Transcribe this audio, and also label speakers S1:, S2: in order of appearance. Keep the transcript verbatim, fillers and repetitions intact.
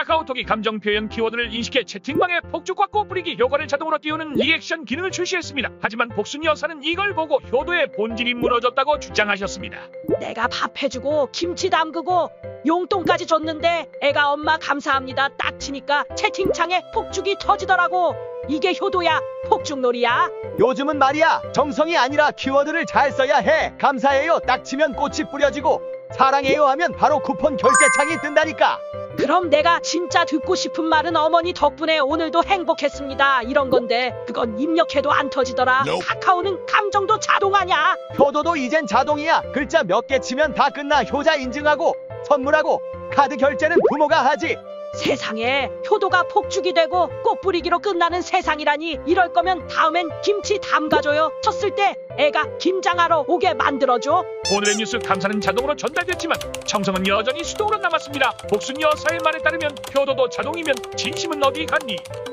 S1: 카카오톡이 감정 표현 키워드를 인식해 채팅방에 폭죽과 꽃뿌리기 효과를 자동으로 띄우는 리액션 기능을 출시했습니다. 하지만 복순 여사는 이걸 보고 효도의 본질이 무너졌다고 주장하셨습니다.
S2: 내가 밥 해주고 김치 담그고 용돈까지 줬는데 애가 엄마 감사합니다 딱 치니까 채팅창에 폭죽이 터지더라고. 이게 효도야? 폭죽놀이야?
S3: 요즘은 말이야, 정성이 아니라 키워드를 잘 써야 해. 감사해요 딱 치면 꽃이 뿌려지고, 사랑해요 하면 바로 쿠폰 결제창이 뜬다니까.
S2: 그럼 내가 진짜 듣고 싶은 말은 어머니 덕분에 오늘도 행복했습니다 이런 건데, 그건 입력해도 안 터지더라. 카카오는 감정도 자동하냐?
S3: 효도도 이젠 자동이야. 글자 몇 개 치면 다 끝나. 효자 인증하고 선물하고 카드 결제는 부모가 하지.
S2: 세상에, 효도가 폭죽이 되고 꽃뿌리기로 끝나는 세상이라니. 이럴 거면 다음엔 김치 담가줘요. 쳤을 때 애가 김장하러 오게 만들어줘.
S1: 오늘의 뉴스 감사는 자동으로 전달됐지만 정성은 여전히 수동으로 남았습니다. 복순 여사의 말에 따르면 효도도 자동이면 진심은 어디 갔니?